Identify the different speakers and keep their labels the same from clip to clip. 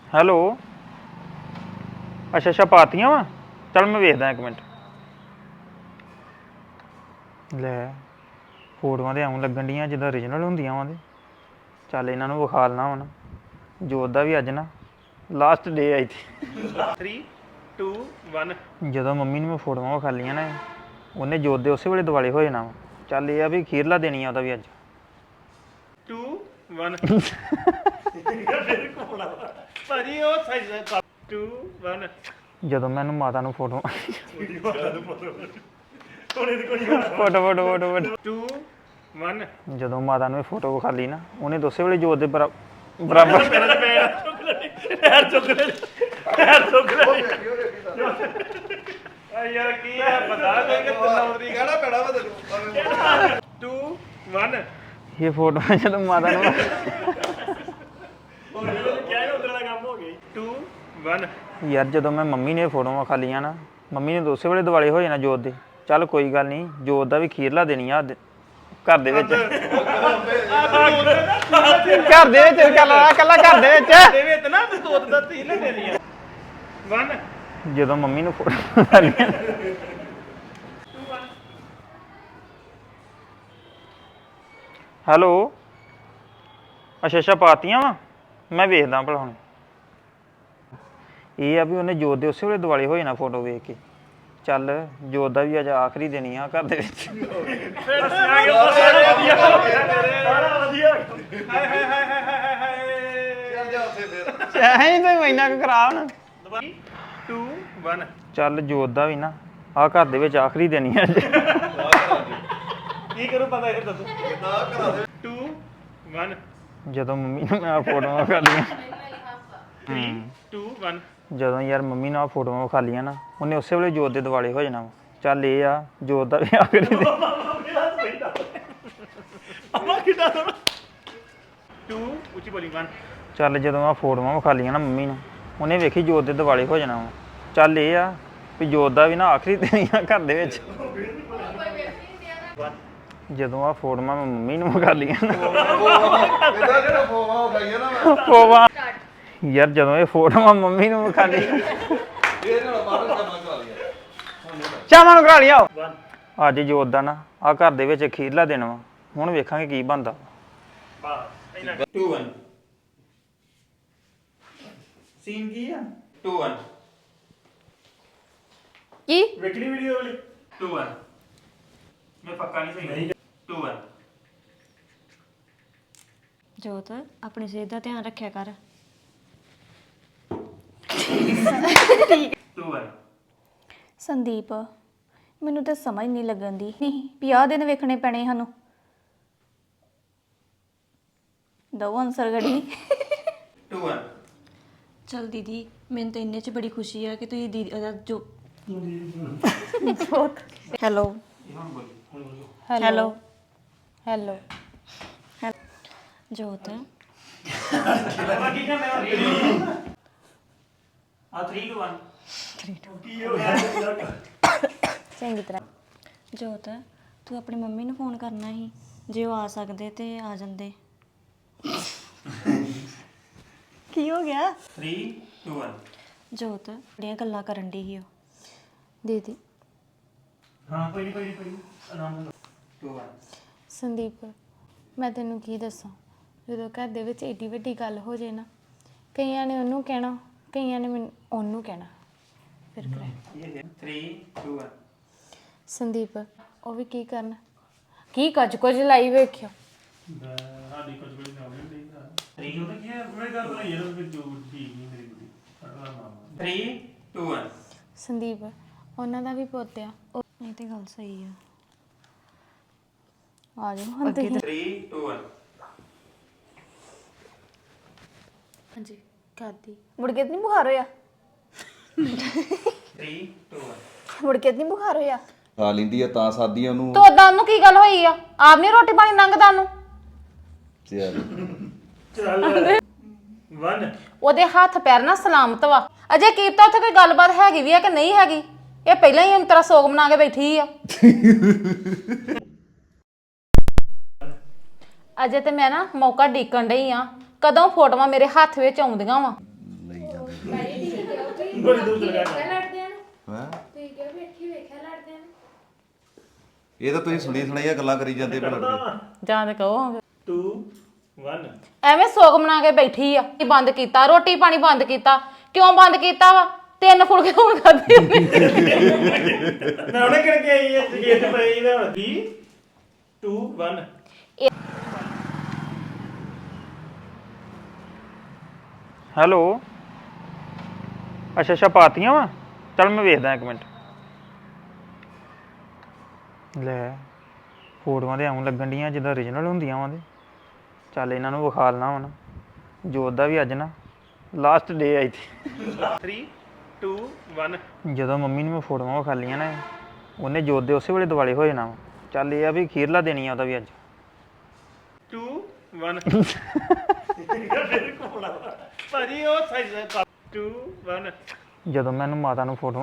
Speaker 1: Hello ਅੱਛਾ ਪਾਤੀਆਂ ਵਾ ਚੱਲ ਮੈਂ ਵੇਖਦਾ ਇੱਕ ਮਿੰਟ ਲੈ ਫੋਟੋਆਂ ਤੇ ਆਉਂ ਲੱਗਣ ਡੀਆਂ ਜਿੱਦਾਂ ਓਰੀਜਨਲ ਹੁੰਦੀਆਂ ਵਾ ਤੇ ਚੱਲ ਇਹਨਾਂ ਨੂੰ ਵਿਖਾ ਲੈਣਾ ਹੁਣ ਜੋਤ ਦਾ ਵੀ ਅੱਜ ਨਾ ਲਾਸਟ ਡੇ ਆਈ ਥੀ
Speaker 2: 3 2 1
Speaker 1: ਜਦੋਂ ਮੰਮੀ ਨੂੰ ਮੈਂ ਫੋਟੋਆਂ ਵਿਖਾ ਲਈਆਂ ਨਾ ਉਹਨੇ ਜੋਤ ਦੇ ਉਸੇ ਵੇਲੇ ਦਿਵਾਲੇ ਹੋ ਜਾਣਾ ਵਾ ਚੱਲ ਇਹ ਆ ਵੀ ਖੀਰਲਾ ਦੇਣੀ ਆ ਉਹਦਾ ਵੀ ਅੱਜ
Speaker 2: 2 1 ਭਾਜੀ ਉਹ ਸਾਈਜ਼ 2 1
Speaker 1: ਜਦੋਂ ਮੈਂ ਇਹਨੂੰ ਮਾਤਾ ਨੂੰ ਫੋਟੋ ਫੋਟੋ
Speaker 2: 2 1
Speaker 1: ਜਦੋਂ ਮਾਤਾ ਨੂੰ ਇਹ ਫੋਟੋ ਵਿਖਾ ਲਈ ਨਾ ਉਹਨੇ ਉਸੇ ਵੇਲੇ ਜੋਤ ਦੇ ਬਰਾਬਰ
Speaker 2: ਯਾਰ ਕੀ ਹੈ ਬਤਾ ਦੇ ਕਿ ਤਨੌਰੀ ਗਾਣਾ ਪੈਣਾ ਵਾ ਤੈਨੂੰ 2 1
Speaker 1: ਇਹ ਫੋਟੋ ਜਦੋਂ ਮਾਤਾ ਨੂੰ
Speaker 2: ਕਿਆ ਉਧਰ ਦਾ ਕੰਮ ਹੋ ਗਿਆ 2 1
Speaker 1: ਯਾਰ ਜਦੋਂ ਮੈਂ ਮੰਮੀ ਨੇ ਫੋਟੋਆਂ ਵਿਖਾ ਲਈਆਂ ਨਾ ਮੰਮੀ ਨੇ ਉਸੇ ਵੇਲੇ ਦਿਵਾਲੇ ਹੋ ਜਾਣਾ ਜੋਤ ਦੇ ਚੱਲ ਕੋਈ ਗੱਲ ਨਹੀਂ ਜੋਤ ਦਾ ਵੀ ਖੀਰਲਾ ਦੇਣੀ ਆ ਘਰ ਦੇ ਵਿੱਚ ਘਰ ਦੇ ਵਿੱਚ ਕੱਲਾ ਘਰ ਦੇ ਵਿੱਚ
Speaker 2: ਦੇ ਵਿੱਚ ਨਾ ਤੋਤ ਦਾ ਤੀਨ ਦੇਣੀ ਆ 1
Speaker 1: ਜਦੋਂ ਮੰਮੀ ਨੂੰ ਫੋਟੋ ਵਿਖਾ ਲਈਆਂ ਹੈਲੋ ਅੱਛਾ ਪਾਤੀਆਂ ਵਾ ਮੈਂ ਵੇਖਦਾ ਭਲਾ ਹੁਣ ਇਹ ਆ ਵੀ ਉਹਨੇ ਜੋਤ ਦੇ ਉਸੇ ਵੇਲੇ ਦਿਵਾਲੇ ਹੋ ਜਾਣਾ ਫੋਟੋ ਵੇਖ ਕੇ ਚੱਲ ਜੋਤ ਦਾ ਵੀ ਅੱਜ ਆਖਰੀ ਦੇਣੀ ਆ ਘਰ ਦੇ ਵਿੱਚ ਚਾਹੇ ਤੇ ਮਹੀਨਾ ਕੁ ਕਰਾ ਹੁਣ
Speaker 2: 2 1
Speaker 1: ਚੱਲ ਜੋਤ ਦਾ ਵੀ ਨਾ ਆ ਘਰ ਦੇ ਵਿੱਚ ਆਖਰੀ ਦੇਣੀ ਆ ਅੱਜ
Speaker 2: ਕੀ ਕਰੂ ਪਤਾ ਇਹ ਦੱਸੋ 2 1
Speaker 1: ਜਦੋਂ ਮੰਮੀ ਨੂੰ ਮੈਂ ਆ ਫੋਟੋਆਂ ਵਿਖਾ ਲਈਆਂ
Speaker 2: 3 2 1
Speaker 1: ਜਦੋਂ ਯਾਰ ਮੰਮੀ ਨੂੰ ਆ ਫੋਟੋਆਂ ਵਿਖਾ ਲਈਆਂ ਨਾ ਉਹਨੇ ਉਸੇ ਵੇਲੇ ਜੋਤ ਦੇ ਦਿਵਾਲੇ ਹੋ ਜਾਣਾ ਵਾ ਚੱਲ ਇਹ ਆ ਜੋਤ ਦਾ ਵੀ ਆਖਰੀ ਦੇ
Speaker 2: ਅਮਾ ਕਿਦਾਂ 2 ਉੱਚੀ ਬੋਲੀ 1
Speaker 1: ਚੱਲ ਜਦੋਂ ਆ ਫੋਟੋਆਂ ਵਿਖਾ ਲਈਆਂ ਨਾ ਮੰਮੀ ਨੂੰ ਉਹਨੇ ਵੇਖੀ ਜੋਤ ਦੇ ਦਿਵਾਲੇ ਹੋ ਜਾਣਾ ਵਾ ਚੱਲ ਇਹ ਆ ਵੀ ਜੋਤ ਦਾ ਵੀ ਨਾ ਆਖਰੀ ਦੇਣੀ ਆ ਘਰ ਦੇ ਵਿੱਚ ਜਦੋਂ ਆ ਫੋਟੋਆਂ ਮੈਂ ਮੰਮੀ ਨੂੰ ਵਿਖਾ ਲਈਆਂ ਨਾ ਫੋਵਾ ਯਾਰ ਜਦੋਂ ਇਹ ਫੋਟੋਆਂ ਮੰਮੀ ਨੂੰ ਵਿਖਾ ਲਈ ਚਾਵਾਂ ਨੂੰ ਕਰਾ ਲਿਆ ਅੱਜ ਜੋਤ ਦਾ ਨਾ ਆ ਘਰ ਦੇ ਵਿੱਚ ਖੀਰਲਾ ਦਿਨ ਵਾ ਹੁਣ ਵੇਖਾਂਗੇ ਕੀ ਬਣਦਾ 2 1 ਸੀਨ ਕੀ ਆ 2 1
Speaker 3: ਕੀ
Speaker 2: ਵੇਖਣੀ ਵੀਡੀਓ ਵਾਲੀ
Speaker 1: 2 1 ਮੈਂ ਪੱਕਾ ਨਹੀਂ ਸਹੀ 2 1
Speaker 3: ਜੋਤ ਆਪਣੀ ਸਿਹਤ ਦਾ ਧਿਆਨ ਰੱਖਿਆ ਕਰ
Speaker 1: 2 1
Speaker 4: ਸੰਦੀਪ ਮੈਨੂੰ ਤਾਂ ਸਮਝ ਨਹੀਂ ਲੱਗਣ ਦੀ ਨਹੀਂ ਵੀ ਆਹ ਦਿਨ ਵੇਖਣੇ ਪੈਣੇ ਸਾਨੂੰ ਦੋ ਆਨਸਰ ਗੜੀ
Speaker 1: 2 1
Speaker 3: ਚਲ ਦੀਦੀ ਮੈਨੂੰ ਤਾਂ ਇੰਨੇ 'ਚ ਬੜੀ ਖੁਸ਼ੀ ਆ ਕਿ ਤੁਸੀਂ ਦੀਦੀ ਉਹਦਾ ਜੋ ਹੈਲੋ ਹੈਲੋ ਹੈਲੋ ਜੋਤ
Speaker 1: ਆ 3 2 1
Speaker 4: ਚੰਗੀ ਤਰ੍ਹਾਂ
Speaker 3: ਜੋਤ ਤੂੰ ਆਪਣੀ ਮੰਮੀ ਨੂੰ ਫੋਨ ਕਰਨਾ ਸੀ ਜੇ ਉਹ ਆ ਸਕਦੇ ਤੇ ਆ ਜਾਂਦੇ ਕੀ ਹੋ ਗਿਆ
Speaker 1: 3 2 1
Speaker 3: ਜੋਤ ਬੜੀਆਂ ਗੱਲਾਂ ਕਰਨ ਦੀ ਸੀ ਉਹ
Speaker 4: ਦੀਦੀ
Speaker 1: ਹਾਂ ਕੋਈ ਨਹੀਂ ਆਰਾਮ ਨਾਲ 2 1
Speaker 4: ਸੰਦੀਪ ਮੈਂ ਤੈਨੂੰ ਕੀ ਦੱਸਾਂ ਜਦੋਂ ਘਰ ਦੇ ਵਿੱਚ ਏਡੀ ਵੱਡੀ ਗੱਲ ਹੋ ਜੇ ਨਾ ਕਈਆਂ ਨੇ ਉਹਨੂੰ ਕਹਿਣਾ ਕਈਆਂ ਨੇ ਮੈਨੂੰ ਉਹਨੂੰ ਕਹਿਣਾ ਫਿਰ ਕਰਾਂ
Speaker 1: 3 2 1
Speaker 4: ਸੰਦੀਪ ਉਹ ਵੀ ਕੀ ਕਰਨ ਕੀ ਕੁਝ ਲਾਈ ਵੇਖਿਓ
Speaker 2: ਸਾਡੀ ਕੁਝ ਵੀ ਨਾ ਹੋਣੀ
Speaker 1: 3
Speaker 2: ਉਹਨੇ ਕੀ ਮੈਂ ਗੱਲ ਬਣਾਈ ਯਾਰ ਉਹ ਜੋ ਠੀਕ ਨਹੀਂ ਮੇਰੀ ਕੁੜੀ ਸਾਡਾ ਮਾਮਾ
Speaker 1: 3 2 1
Speaker 4: ਸੰਦੀਪ ਉਹਨਾਂ ਦਾ ਵੀ ਪੁੱਤ ਆ
Speaker 3: ਇਹ ਤੇ ਗੱਲ ਸਹੀ ਆ
Speaker 4: ਆ ਜਾਓ ਹੁਣ ਤੁਸੀਂ
Speaker 1: 3 2 1
Speaker 4: ਹਾਂਜੀ ਕਾਦੀ ਮੁੜ ਕੇ ਨਹੀਂ ਬੁਖਾਰ ਹੋਇਆ
Speaker 1: 3 2 1
Speaker 4: ਮੁੜ ਕੇ ਨਹੀਂ ਬੁਖਾਰ ਹੋਇਆ
Speaker 5: ਖਾ ਲੈਂਦੀ ਆ ਤਾਂ ਸਾਦੀ ਆ ਉਹਨੂੰ
Speaker 4: ਤੋ ਉਦਾਂ ਉਹਨੂੰ ਕੀ ਗੱਲ ਹੋਈ ਆ ਆਪ ਨਹੀਂ ਰੋਟੀ ਪਾਣੀ ਲੰਘਦਾ ਉਹਨੂੰ
Speaker 5: ਚੱਲ
Speaker 2: 1
Speaker 4: ਉਹਦੇ ਹੱਥ ਪੈਰ ਨਾ ਸਲਾਮਤ ਵਾ ਅਜੇ ਕੀਤਾ ਉੱਥੇ ਕੋਈ ਗੱਲਬਾਤ ਹੈਗੀ ਵੀ ਆ ਕਿ ਨਹੀਂ ਹੈਗੀ ਇਹ ਪਹਿਲਾਂ ਹੀ ਤੇਰਾ ਸੋਗ ਬਣਾ ਕੇ ਬੈਠੀ ਆ ਅਜੇ ਤੇ ਮੈਂ ਨਾ ਮੌਕਾ ਡੀਕਣ ਡਈ ਆ ਕਦੋਂ ਫੋਟੋਆਂ ਮੇਰੇ ਹੱਥ ਵਿੱਚ ਆਉਂਦੀਆਂ ਵਾ
Speaker 5: ਨਹੀਂ ਹੈਂ? ਇਹ ਤਾਂ ਤੁਸੀਂ ਸੁਣੀ ਸੁਣਾਈਆਂ ਗੱਲਾਂ ਕਰੀ ਜਾਂਦੇ ਪਏ ਲੜਦੇ
Speaker 6: ਜਾਂ ਤੇ ਕਹੋ
Speaker 2: 2 1
Speaker 6: ਐਵੇਂ ਸੋਗ ਬਣਾ ਕੇ ਬੈਠੀ ਆ ਕੀ ਬੰਦ ਕੀਤਾ ਰੋਟੀ ਪਾਣੀ ਬੰਦ ਕੀਤਾ ਕਿਉਂ ਬੰਦ ਕੀਤਾ ਵਾ 3 ਫੁਲਕੇ ਹੁਣ ਖਾਦੇ
Speaker 2: ਨਾ ਉਹਨੇ ਕਰਕੇ ਆਈ ਹੈ ਜਗੇਤ ਪਈ ਨਾ 3 2 1
Speaker 1: ਹੈਲੋ ਅੱਛਾ ਅੱਛਾ ਪਾਤੀਆਂ ਵਾ ਚੱਲ ਮੈਂ ਵੇਖਦਾ ਇੱਕ ਮਿੰਟ ਲੈ ਫੋਟੋਆਂ ਤੇ ਐਉਂ ਲੱਗਣ ਡੀਆਂ ਜਿੱਦਾਂ ਓਰੀਜਨਲ ਹੁੰਦੀਆਂ ਵਾ ਤੇ ਚੱਲ ਇਹਨਾਂ ਨੂੰ ਵਿਖਾ ਲੈਣਾ ਹੁਣ ਜੋਤ ਦਾ ਵੀ ਅੱਜ ਨਾ ਲਾਸਟ ਡੇ ਆਈ ਸੀ
Speaker 2: 3 2 1
Speaker 1: ਜਦੋਂ ਮੰਮੀ ਨੂੰ ਮੈਂ ਫੋਟੋਆਂ ਵਿਖਾ ਲਈਆਂ ਨਾ ਉਹਨੇ ਜੋਤ ਦੇ ਉਸੇ ਵੇਲੇ ਦਿਵਾਲੇ ਹੋ ਜਾਣਾ ਵਾ ਚੱਲ ਇਹ ਆ ਵੀ ਖੀਰਲਾ ਦੇਣੀ ਆ ਉਹਦਾ ਵੀ ਅੱਜ
Speaker 2: 2 1 ਭਾਜੀ ਉਹ ਸਾਈਜ਼ 2 1
Speaker 1: ਜਦੋਂ ਮੈਨੂੰ ਮਾਤਾ ਨੂੰ ਫੋਟੋ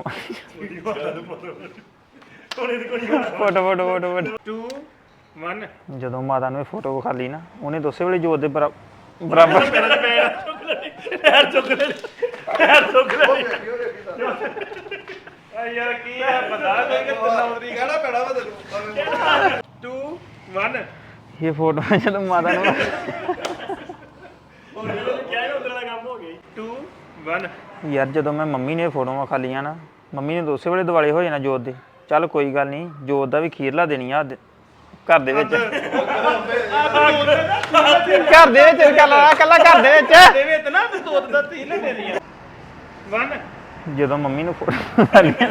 Speaker 2: ਕੋਨੇ ਦੀ ਕੋਣੀ
Speaker 1: ਫੋਟੋ
Speaker 2: 2 1
Speaker 1: ਜਦੋਂ ਮਾਤਾ ਨੂੰ ਇਹ ਫੋਟੋ ਵਿਖਾ ਲਈ ਨਾ ਉਹਨੇ ਤਾਂ ਉਸੇ ਵੇਲੇ ਜੋਤ ਦੇ ਬਰਾਬਰ
Speaker 2: ਪੈਰ ਚੁੱਕ ਲੈ ਆ ਯਾਰ ਕੀ ਹੈ ਬਤਾ ਦੇ ਕਿ ਤਨੌਰੀ ਕਹਿਣਾ ਪੈਣਾ ਵਾ ਤੈਨੂੰ 2 1
Speaker 1: ਇਹ ਫੋਟੋ ਜਦੋਂ ਮਾਤਾ ਨੂੰ
Speaker 2: ਕਿਆ ਉਧਰ ਦਾ ਕੰਮ ਹੋ ਗਿਆ 2 1
Speaker 1: ਯਾਰ ਜਦੋਂ ਮੈਂ ਮੰਮੀ ਨੇ ਫੋਟੋਆਂ ਵਿਖਾ ਲਈਆਂ ਨਾ ਮੰਮੀ ਨੇ ਤਾਂ ਉਸੇ ਵੇਲੇ ਦਿਵਾਲੇ ਹੋ ਜਾਣਾ ਜੋਤ ਦੇ ਚੱਲ ਕੋਈ ਗੱਲ ਨਹੀਂ ਜੋਤ ਦਾ ਵੀ ਖੀਰਲਾ ਦੇਣੀ ਆ ਅੱਜ ਘਰ ਦੇ ਵਿੱਚ ਘਰ ਦੇ ਵਿੱਚ ਕੱਲਾ ਘਰ ਦੇ ਵਿੱਚ
Speaker 2: ਦੇਵੇ ਤੇ ਨਾ ਤੇ ਤੋਤ ਦਾ ਤੀ ਨਾ ਦੇ ਦੀਆਂ 1
Speaker 1: ਜਦੋਂ ਮੰਮੀ ਨੂੰ ਫੋਟੋ ਵਿਖਾ ਲਈਆਂ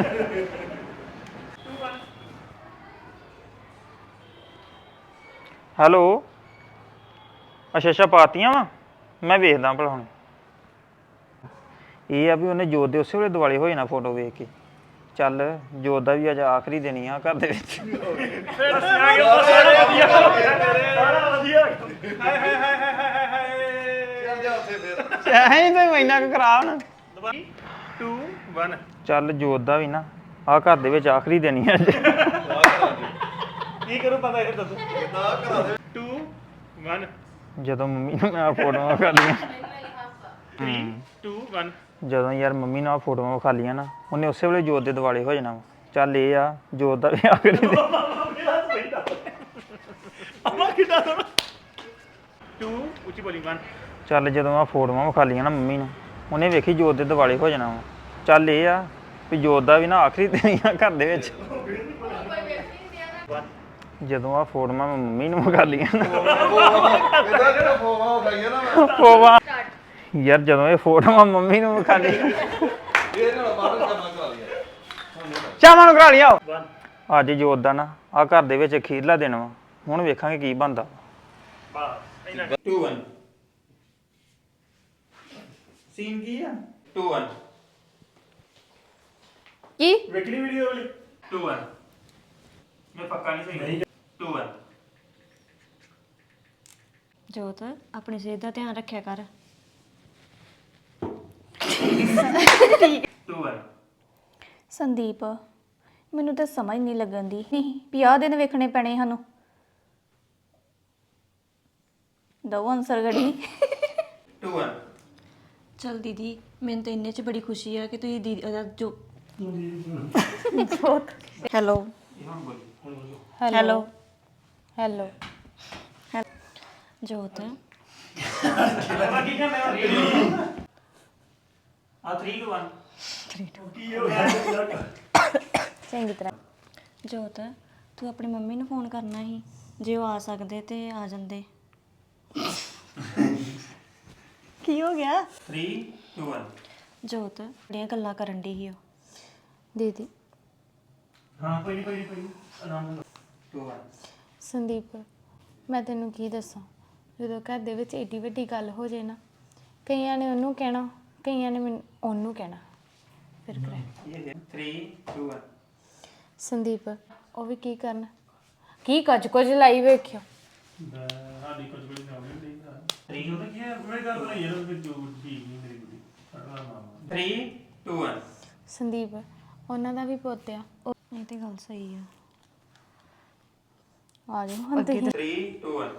Speaker 1: ਹੈਲੋ ਅੱਛਾ ਅੱਛਾ ਪਾਤੀਆਂ ਵਾ ਮੈਂ ਵੇਖਦਾ ਭਲਾ ਹੁਣ ਇਹ ਆ ਵੀ ਉਹਨੇ ਜੋਤ ਦੇ ਉਸੇ ਵੇਲੇ ਦਿਵਾਲੇ ਹੋ ਜਾਣਾ ਫੋਟੋ ਵੇਖ ਕੇ ਚੱਲ ਜੋਤ ਦਾ ਵੀ ਅੱਜ ਆਖਰੀ ਦਿਨ ਆ ਘਰ ਦੇ ਵਿੱਚ ਐਂ ਤੇ ਮਹੀਨਾ ਕੁ ਕਰਾ ਹੁਣ
Speaker 2: 2 1
Speaker 1: ਚੱਲ ਜੋਤ ਦਾ ਵੀ ਨਾ ਆ ਘਰ ਦੇ ਵਿੱਚ ਆਖਰੀ ਦਿਨ ਹੀ ਅੱਜ
Speaker 2: ਕੀ ਕਰੂ ਪਤਾ ਇਹ ਦੱਸੋ 2 1
Speaker 1: ਜਦੋਂ ਮੰਮੀ ਨੂੰ ਮੈਂ ਫੋਟੋਆਂ ਵਿਖਾ ਲਈਆਂ
Speaker 2: 3 2 1
Speaker 1: ਜਦੋਂ ਯਾਰ ਮੰਮੀ ਨਾਲ ਫੋਟੋਆਂ ਵਿਖਾ ਲਈਆਂ ਨਾ ਉਹਨੇ ਉਸੇ ਵੇਲੇ ਜੋਤ ਦੇ ਦਿਵਾਲੇ ਹੋ ਜਾਣਾ ਵਾ ਚੱਲ ਇਹ ਆ ਜੋਤ ਦਾ ਵੀ ਆਖਰੀ ਦਿਨ
Speaker 2: ਅਮਾ ਕਿਦਾਂ 2 ਉੱਚੀ ਬੋਲੀ 1
Speaker 1: ਚੱਲ ਜਦੋਂ ਆ ਫੋਟੋਆਂ ਵਿਖਾ ਲਈਆਂ ਨਾ ਮੰਮੀ ਨੂੰ ਉਹਨੇ ਵੇਖੀ ਜੋਤ ਦੇ ਦਿਵਾਲੇ ਹੋ ਜਾਣਾ ਵਾ ਚੱਲ ਇਹ ਆ ਵੀ ਜੋਤ ਦਾ ਵੀ ਨਾ ਆਖਰੀ ਦਿਨ ਹੀ ਆ ਘਰ ਦੇ ਵਿੱਚ ਜਦੋਂ ਆ ਫੋਟੋਆਂ ਮੈਂ ਮੰਮੀ ਨੂੰ ਵਿਖਾ ਲਈਆਂ ਨਾ
Speaker 5: ਇਹਦਾ ਜਿਹੜਾ ਫੋਵਾ ਖਾਈਆ ਨਾ
Speaker 1: ਫੋਟੋਆਂ ਯਾਰ ਜਦੋਂ ਇਹ ਫੋਟੋਆਂ ਮੰਮੀ ਨੂੰ ਵਿਖਾ ਲਈਆਂ
Speaker 5: ਇਹ ਨਾਲ ਬਾਹਰ ਕਰਨਾ ਕਰਾ ਲਿਆ
Speaker 1: ਚਾਵਾਂ ਨੂੰ ਕਰਾ ਲਿਆ ਅੱਜ ਜੋਤ ਦਾ ਨਾ ਆ ਘਰ ਦੇ ਵਿੱਚ ਖੀਰਲਾ ਦਿਨ ਵਾ ਹੁਣ ਵੇਖਾਂਗੇ ਕੀ ਬਣਦਾ
Speaker 2: 2 1 ਸੀਨ ਕੀ ਆ 2 1
Speaker 6: ਕੀ
Speaker 2: ਵੇਖਣੀ ਵੀਡੀਓ ਵਾਲੀ 2 1 ਮੈਂ ਪੱਕਾ ਨਹੀਂ ਸਹੀ 2 1
Speaker 3: ਜੋਤ ਆਪਣੀ ਸਿਹਤ ਦਾ ਧਿਆਨ ਰੱਖਿਆ ਕਰ
Speaker 2: 2 1
Speaker 3: ਸੰਦੀਪ ਮੈਨੂੰ ਤਾਂ ਸਮਝ ਨਹੀਂ ਲੱਗਣ ਦੀ ਨਹੀਂ ਵੀ ਆਹ ਦਿਨ ਵੇਖਣੇ ਪੈਣੇ ਸਾਨੂੰ ਦੋ ਆਨਸਰ ਗੜੀ
Speaker 2: 2 1
Speaker 3: ਚਲ ਦੀਦੀ ਮੈਨੂੰ ਤਾਂ ਇੰਨੇ 'ਚ ਬੜੀ ਖੁਸ਼ੀ ਆ ਕਿ ਤੁਸੀਂ ਦੀਦੀ ਉਹਦਾ ਜੋ ਹੈਲੋ ਹੈਲੋ
Speaker 4: ਹੈਲੋ
Speaker 3: ਜੋਤ
Speaker 2: ਆ 3 2 1
Speaker 4: ਚੰਗੀ ਤਰ੍ਹਾਂ
Speaker 3: ਜੋਤ ਤੂੰ ਆਪਣੀ ਮੰਮੀ ਨੂੰ ਫੋਨ ਕਰਨਾ ਸੀ ਜੇ ਉਹ ਆ ਸਕਦੇ ਤੇ ਆ ਜਾਂਦੇ ਕੀ ਹੋ ਗਿਆ
Speaker 2: 3 2 1
Speaker 3: ਜੋਤ ਬੜੀਆਂ ਗੱਲਾਂ ਕਰਨ ਦੀ ਸੀ ਉਹ
Speaker 4: ਦੀਦੀ
Speaker 2: ਹਾਂ ਕੋਈ ਨਹੀਂ ਆਰਾਮ ਨਾਲ 2 1
Speaker 4: ਸੰਦੀਪ ਮੈਂ ਤੈਨੂੰ ਕੀ ਦੱਸਾਂ ਜਦੋਂ ਘਰ ਦੇ ਵਿੱਚ ਏਡੀ ਵੱਡੀ ਗੱਲ ਹੋ ਜੇ ਨਾ ਕਈਆਂ ਨੇ ਉਹਨੂੰ ਕਹਿਣਾ ਕਈਆਂ ਨੇ ਮੈਨੂੰ ਉਹਨੂੰ ਕਹਿਣਾ ਫਿਰ ਕਰੇ
Speaker 2: 3 2 1
Speaker 4: ਸੰਦੀਪ ਉਹ ਵੀ ਕੀ ਕਰਨ ਕੀ ਕੁਝ ਲਾਈ ਵੇਖਿਓ
Speaker 2: ਸਾਡੀ ਕੁਝ ਵੀ ਨਾ ਹੁੰਦੀ 3 ਉਹ ਤਾਂ ਕੀ ਹੈ ਮੈਂ ਗੱਲ ਬਣਾਈ ਯਾਰ ਉਹ ਜੋ ਠੀਕ ਨਹੀਂ ਮੇਰੀ ਬੁੱਢੀ 3 2 1
Speaker 4: ਸੰਦੀਪ ਉਹਨਾਂ ਦਾ ਵੀ ਪੁੱਤ ਆ
Speaker 3: ਇਹ ਤੇ ਗੱਲ ਸਹੀ ਆ
Speaker 4: ਆ ਜਾਓ ਹੁਣ ਤੁਸੀਂ
Speaker 2: 3 2 1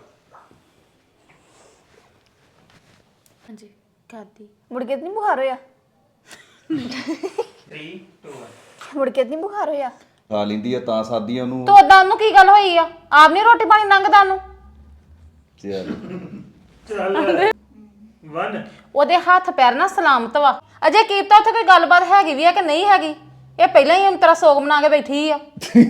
Speaker 4: ਹਾਂਜੀ ਕਰਦੀ
Speaker 3: ਮੁੜ ਕੇ ਨਹੀਂ ਬੁਖਾਰ ਹੋਇਆ
Speaker 2: 3 2 1
Speaker 7: ਮੁੜ ਕੇ ਨਹੀਂ ਬੁਖਾਰ ਹੋਇਆ
Speaker 5: ਖਾ ਲੈਂਦੀ ਆ ਤਾਂ ਸਾਦੀ ਆ ਉਹਨੂੰ
Speaker 6: ਤੋ ਉਦਾਂ ਉਹਨੂੰ ਕੀ ਗੱਲ ਹੋਈ ਆ ਆਪ ਨਹੀਂ ਰੋਟੀ ਪਾਣੀ ਲੰਘਦਾ ਉਹਨੂੰ
Speaker 5: ਚੱਲ
Speaker 2: ਚੱਲ 1
Speaker 6: ਉਹਦੇ ਹੱਥ ਪੈਰ ਨਾ ਸਲਾਮਤ ਵਾ ਅਜੇ ਕੀਤਾ ਉੱਥੇ ਕੋਈ ਗੱਲਬਾਤ ਹੈਗੀ ਵੀ ਆ ਕਿ ਨਹੀਂ ਹੈਗੀ ਇਹ ਪਹਿਲਾਂ ਹੀ ਤੇਰਾ ਸੋਗ ਬਣਾ ਕੇ ਬੈਠੀ ਆ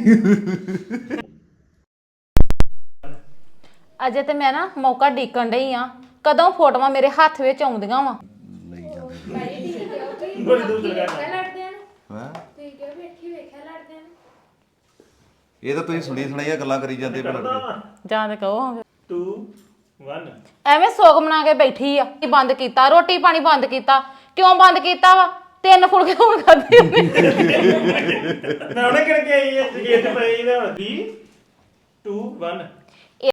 Speaker 6: ਅਜੇ ਤੇ ਮੈਂ ਨਾ ਮੌਕਾ ਡੀਕਣ ਡਈ ਆ ਕਦੋਂ ਫੋਟੋਆਂ ਮੇਰੇ ਹੱਥ ਵਿੱਚ ਆਉਂਦੀਆਂ ਵਾ
Speaker 5: ਲਈ ਜਾਂਦੇ
Speaker 2: ਬੜੀ ਦੂਰ ਲਗਾ
Speaker 5: ਹੈਂ? ਇਹ ਤਾਂ ਤੁਸੀਂ ਸੁਣੀ ਸੁਣਾਈਆਂ ਗੱਲਾਂ ਕਰੀ ਜਾਂਦੇ ਭਲਾ
Speaker 6: ਜਾਂ ਤੇ ਕਹੋ
Speaker 2: 2 1
Speaker 6: ਐਵੇਂ ਸੋਗ ਬਣਾ ਕੇ ਬੈਠੀ ਆ ਬੰਦ ਕੀਤਾ ਰੋਟੀ ਪਾਣੀ ਬੰਦ ਕੀਤਾ ਕਿਉਂ ਬੰਦ ਕੀਤਾ ਵਾ 3 ਫੁਲਕੇ ਹੁਣ ਖਾਦੇ
Speaker 2: ਨਾ ਉਹਨੇ ਕਿਹੜੇ ਆਈ ਹੈ ਇਹ ਤੇ ਪਈ ਨਾ 2 1